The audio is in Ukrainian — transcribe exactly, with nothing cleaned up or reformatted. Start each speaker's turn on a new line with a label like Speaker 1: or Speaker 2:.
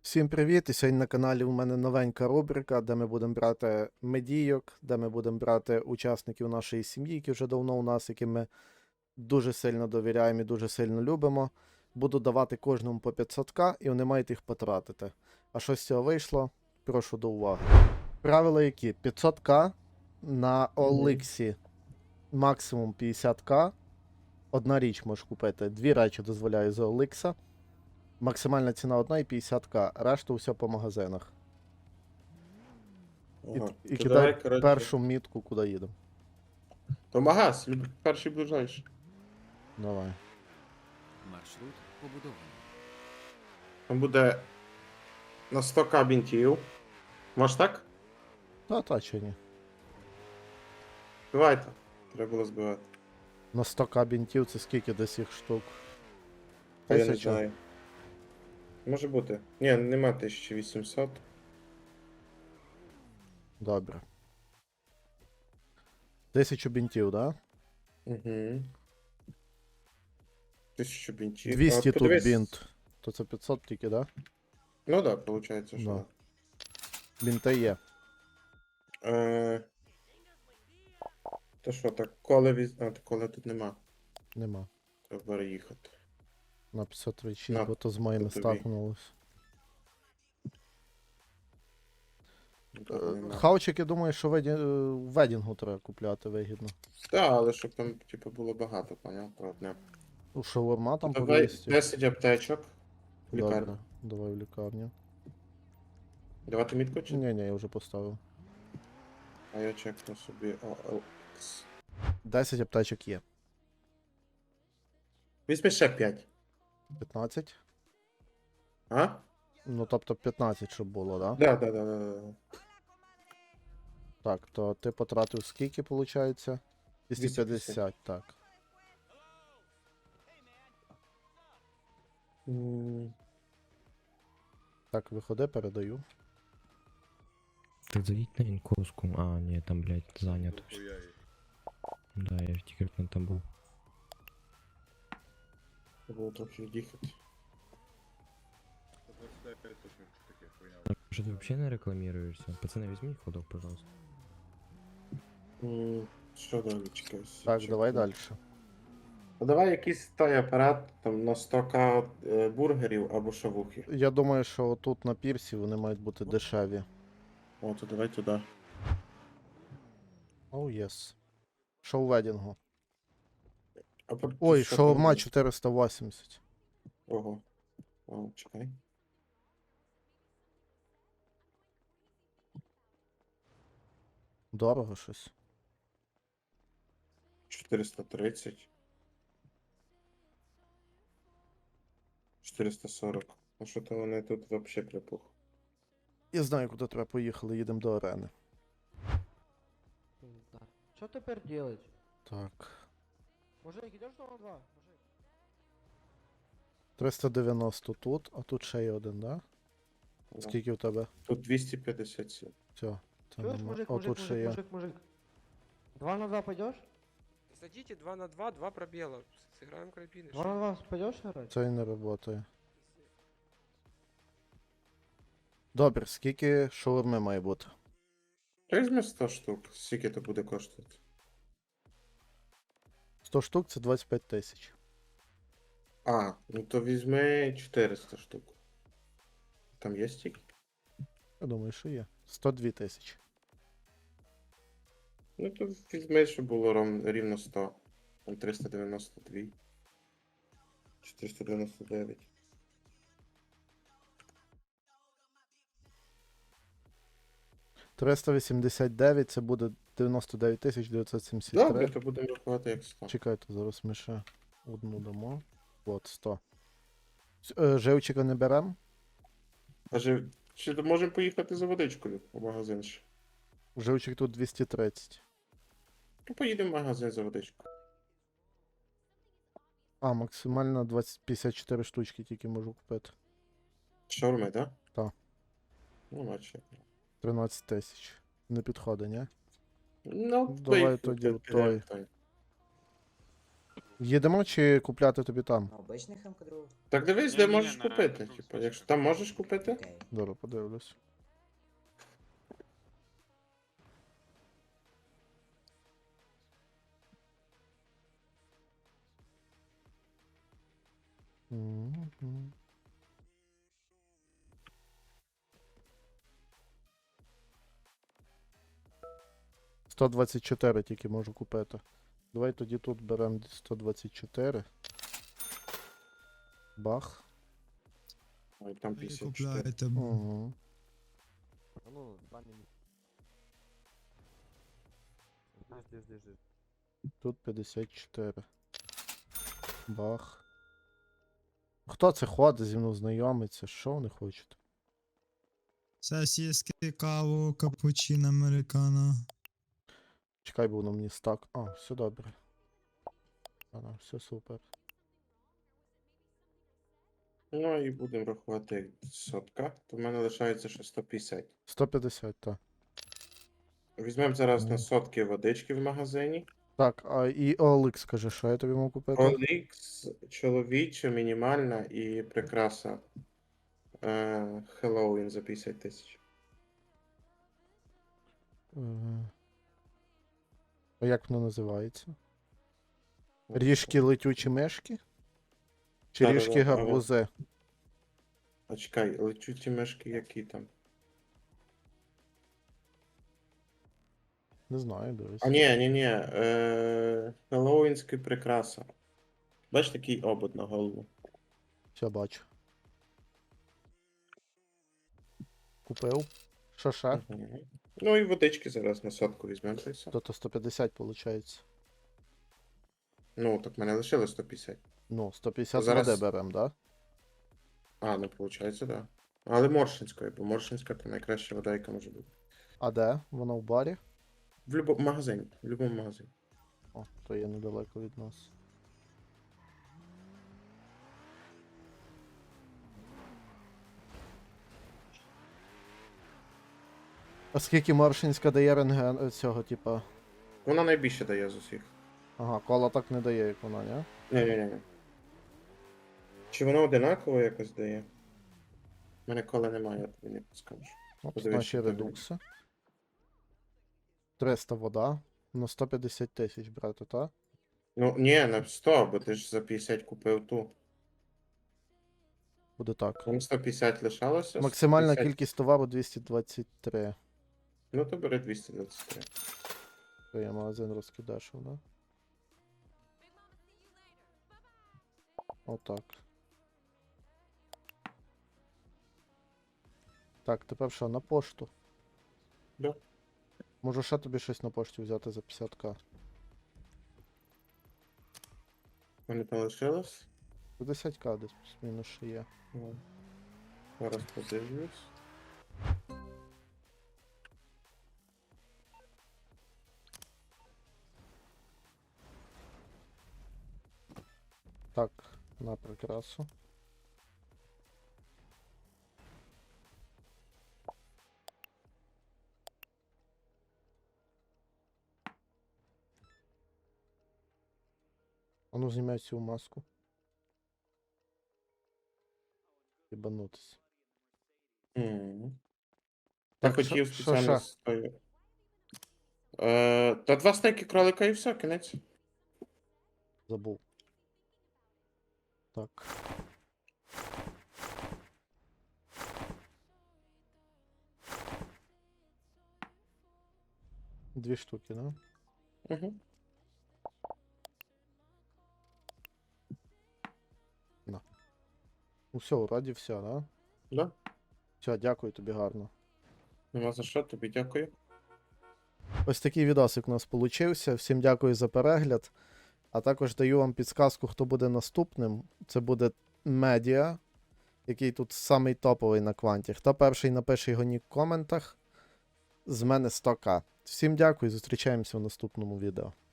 Speaker 1: Всім привіт! І сьогодні на каналі у мене новенька рубрика, де ми будемо брати медійок, де ми будемо брати учасників нашої сім'ї, які вже давно у нас, яким ми дуже сильно довіряємо і дуже сильно любимо. Буду давати кожному по п'ятсот ка, і вони мають їх потратити. А що з цього вийшло? Прошу до уваги. Правила які? п'ятсот ка на Оликсі максимум п'ятдесят ка. Одна річ можеш купити. Дві речі дозволяю з Оликса. Максимальна ціна одна і п'ятдесят ка, решту все по магазинах. І,
Speaker 2: Ага.
Speaker 1: і
Speaker 2: То
Speaker 1: кидай
Speaker 2: давай, коротше,
Speaker 1: першу мітку, куди їдемо.
Speaker 2: То магаз, люб- перший ближайший.
Speaker 1: Давай.
Speaker 3: Маршрут побудований.
Speaker 2: Там буде на сто ка бінтів. Може так?
Speaker 1: Та та чи ні.
Speaker 2: Збивайте. Треба було збивати.
Speaker 1: На сто ка бінтів це скільки десь їх штук?
Speaker 2: Та я не
Speaker 1: Тисяча?
Speaker 2: знаю. Може бути. Ні, нема тисяча вісімсот.
Speaker 1: Добре. Тисячу бінтів, да?
Speaker 2: Угу. Тисячу бінтів.
Speaker 1: двісті
Speaker 2: А,
Speaker 1: тут
Speaker 2: подивись.
Speaker 1: бінт. То це п'ятсот тільки, да?
Speaker 2: Ну так, да, виходить, що.
Speaker 1: Да.
Speaker 2: Да.
Speaker 1: Бінти є.
Speaker 2: Е... То що, так, коле віз... А, то коле тут нема.
Speaker 1: Нема.
Speaker 2: Треба переїхати.
Speaker 1: На п'ятсот тридцять шість,
Speaker 2: На,
Speaker 1: бо то з моїми
Speaker 2: тобі.
Speaker 1: стакнулось.
Speaker 2: Тут нема.
Speaker 1: Хавчик, я думаю, що веді... е, в ведінгу треба купляти вигідно.
Speaker 2: Так, але щоб там, типу, було багато, поняв, про одне.
Speaker 1: У шаурма там по
Speaker 2: Давай
Speaker 1: двісті.
Speaker 2: десять аптечок. в
Speaker 1: Добре,
Speaker 2: лікарню.
Speaker 1: давай в лікарню.
Speaker 2: Давати мітку чи?
Speaker 1: Ні, ні, я вже поставив.
Speaker 2: А я чекну собі о ел ікс.
Speaker 1: десять аптечок є.
Speaker 2: Візьми ще п'ять.
Speaker 1: п'ятнадцять?
Speaker 2: А?
Speaker 1: Ну, тобто п'ятнадцять, щоб було, да?
Speaker 2: Да, да, да, да, да.
Speaker 1: Так, то ти потратив скільки, виходить? двісті п'ятдесят, так.
Speaker 2: М,
Speaker 1: Так, виходи, передаю.
Speaker 4: Так зайдіть на інкоску. А, ні, там, блядь, зайнято. Да, я ж тільки не там був.
Speaker 2: Треба було трохи їхати.
Speaker 4: Що ти взагалі не рекламіруєшся? Пацани, візьміть ходок, пожалуйста.
Speaker 2: М, Що далі чекайся?
Speaker 1: Так,
Speaker 2: Чекну.
Speaker 1: давай далі.
Speaker 2: А давай якийсь той апарат там на сто ка е, бургерів або шавухи.
Speaker 1: Я думаю, що тут на пірсі вони мають бути дешеві.
Speaker 2: О, то давай туди.
Speaker 1: Оу, єс. Що у ведінгу?
Speaker 2: А по-
Speaker 1: Ой,
Speaker 2: що
Speaker 1: шаурма
Speaker 2: там?
Speaker 1: чотириста вісімдесят.
Speaker 2: Ого. О, чекай.
Speaker 1: Дорого щось.
Speaker 2: чотириста тридцять. чотириста сорок. А що то вони тут вообще припух?
Speaker 1: Я знаю, куди треба поїхали, їдемо до арени.
Speaker 5: Да. Что теперь делать?
Speaker 1: Так.
Speaker 5: Мужик, идешь на два? Мужик.
Speaker 1: триста дев'яносто тут, а тут ще є один, да?
Speaker 2: Да.
Speaker 1: Скільки у тебе?
Speaker 2: Тут двісті п'ятдесят сім.
Speaker 1: Все. Це
Speaker 5: Чуешь,
Speaker 1: нема.
Speaker 5: мужик,
Speaker 1: О,
Speaker 5: мужик,
Speaker 1: тут ще
Speaker 5: мужик,
Speaker 1: є.
Speaker 5: мужик, мужик. Два на два пойдешь?
Speaker 6: Садите два на два, два пробела. Сыграем карабины.
Speaker 5: Два на два пойдешь играть?
Speaker 1: Це і не працює. Добре, скільки шаурми має бути?
Speaker 2: Та візьми сто штук. Скільки то буде коштувати?
Speaker 1: сто штук це двадцять п'ять тисяч.
Speaker 2: А, ну то візьми чотириста штук. Там є стільки?
Speaker 1: Я думаю, що є. сто дві тисячі.
Speaker 2: Ну то візьми, щоб було ров- рівно сто. Там триста дев'яносто два. чотириста дев'яносто дев'ять.
Speaker 1: триста вісімдесят дев'ять це буде дев'яносто дев'ять тисяч дев'ятсот сімдесят три.
Speaker 2: Добре, то будемо рахувати як сто.
Speaker 1: Чекайте, зараз ми ще одну дамо. От, сто. С- е, Живчика не беремо?
Speaker 2: А же, чи можемо поїхати за водичкою в магазин ще?
Speaker 1: Живчик тут двісті тридцять.
Speaker 2: Ну поїдемо в магазин за водичкою.
Speaker 1: А, максимально двадцять п'ятдесят чотири штучки тільки можу купити.
Speaker 2: Шаурми, так?
Speaker 1: Так.
Speaker 2: Ну, бачу.
Speaker 1: тринадцять тисяч. Не підходить, ні?
Speaker 2: Ну,
Speaker 1: Давай
Speaker 2: поїхали,
Speaker 1: тоді
Speaker 2: ти-
Speaker 1: той.
Speaker 2: ти-
Speaker 1: Їдемо чи купляти тобі там?
Speaker 7: А обичний ем ка два?
Speaker 2: Так дивись, де
Speaker 8: Ні-ні-ні,
Speaker 2: можеш
Speaker 8: на
Speaker 2: купити.
Speaker 8: реально
Speaker 2: Типу,
Speaker 8: друг
Speaker 2: якщо там можеш купити.
Speaker 7: Окей.
Speaker 1: Добре, подивлюсь. Мгм. сто двадцять чотири тільки можу купити. Давай тоді тут беремо сто двадцять чотири. Бах.
Speaker 2: Ой, там
Speaker 9: Ви
Speaker 2: п'ятдесят чотири.
Speaker 9: купляєте.
Speaker 1: Угу.
Speaker 5: Ну, два міни. Жди, жди, жди.
Speaker 1: Тут п'ятдесят чотири. Бах. Хто це ходить зі мною знайомиться? Що вони хочуть?
Speaker 9: Сосиски, каву, капучино, американо.
Speaker 1: Чекай, бо воно мені стак. А, все добре. Ага, все супер.
Speaker 2: Ну і будемо рахувати як сотка. То в мене лишається ще сто п'ятдесят.
Speaker 1: сто п'ятдесят, так.
Speaker 2: Візьмемо зараз на
Speaker 1: Мгм.
Speaker 2: сотки водички в магазині.
Speaker 1: Так, а і о ел ікс, каже, що я тобі можу купити?
Speaker 2: Олікс, чоловіча, мінімальна і прикраса. Е, Хеллоуін за п'ятдесят тисяч.
Speaker 1: Е, А як воно називається? Ріжки летючі мишки? Чи
Speaker 2: Да-да-да,
Speaker 1: ріжки
Speaker 2: ага.
Speaker 1: гарбузи?
Speaker 2: А чекай, летючі мешки які там?
Speaker 1: Не знаю, дивись.
Speaker 2: А ні, ні, ні. Е, Хеллоуінська прикраса. Бачиш такий обод на голову.
Speaker 1: Все бачу. Купив. Що ще?
Speaker 2: Мгм. Ну і водички зараз на сотку візьмемо. та й все.
Speaker 1: То то сто п'ятдесят виходить.
Speaker 2: Ну, так в мене лишилось сто п'ятдесят.
Speaker 1: Ну, сто п'ятдесят
Speaker 2: Зараз-
Speaker 1: води беремо, да?
Speaker 2: А, ну виходить, так. Да. Але Моршинської, бо Моршинська то найкраща вода, яка може бути.
Speaker 1: А де? Воно в барі?
Speaker 2: В будь-якому магазині. В будь-якому магазині.
Speaker 1: О, то є недалеко від нас. А скільки Маршинська дає рентген е, цього, типа.
Speaker 2: Вона найбільше дає з усіх.
Speaker 1: Ага, кола так не дає, як вона, ні?
Speaker 2: Ні-ні-ні. Чи воно одинаково якось дає? У мене кола немає, я тобі не скажу.
Speaker 1: От
Speaker 2: Подивись,
Speaker 1: наші
Speaker 2: що там.
Speaker 1: редукси. триста вода. На сто п'ятдесят тисяч брати, так?
Speaker 2: Ну, ні, на сто, бо ти ж за п'ятдесят купив ту.
Speaker 1: Буде так.
Speaker 2: Там сто п'ятдесят лишалося.
Speaker 1: Максимальна
Speaker 2: сто п'ятдесят.
Speaker 1: кількість товару двісті двадцять три.
Speaker 2: Ну, то бери двісті двадцять три.
Speaker 1: То є магазин розкидашив, да? Отак. Так, тепер що, на пошту?
Speaker 2: Да.
Speaker 1: Можу ще тобі щось на пошті взяти за п'ятдесят к.
Speaker 2: Вони там лишилось?
Speaker 1: п'ятдесят к десь плюс-мінус ще є.
Speaker 2: Ну, зараз подивлюсь.
Speaker 1: Так, на прикрасу. А ну знімай цю маску. Єбанутись.
Speaker 2: Мгм. Я
Speaker 1: Так,
Speaker 2: хотів
Speaker 1: що- що
Speaker 2: спеціально
Speaker 1: ще?
Speaker 2: стою. Е, та два стейки кролика і все, кінець.
Speaker 1: Забув. Так. Дві штуки, да?
Speaker 2: Угу.
Speaker 1: Ну все, вроді все, да?
Speaker 2: Да?
Speaker 1: Все, дякую тобі гарно.
Speaker 2: Нема за що, тобі дякую.
Speaker 1: Ось такий відосик у нас получився. Всім дякую за перегляд. А також даю вам підсказку, хто буде наступним. Це буде медіа, який тут самий топовий на кванті. Хто перший напише його нік в коментах, з мене сто к. Всім дякую, зустрічаємося в наступному відео.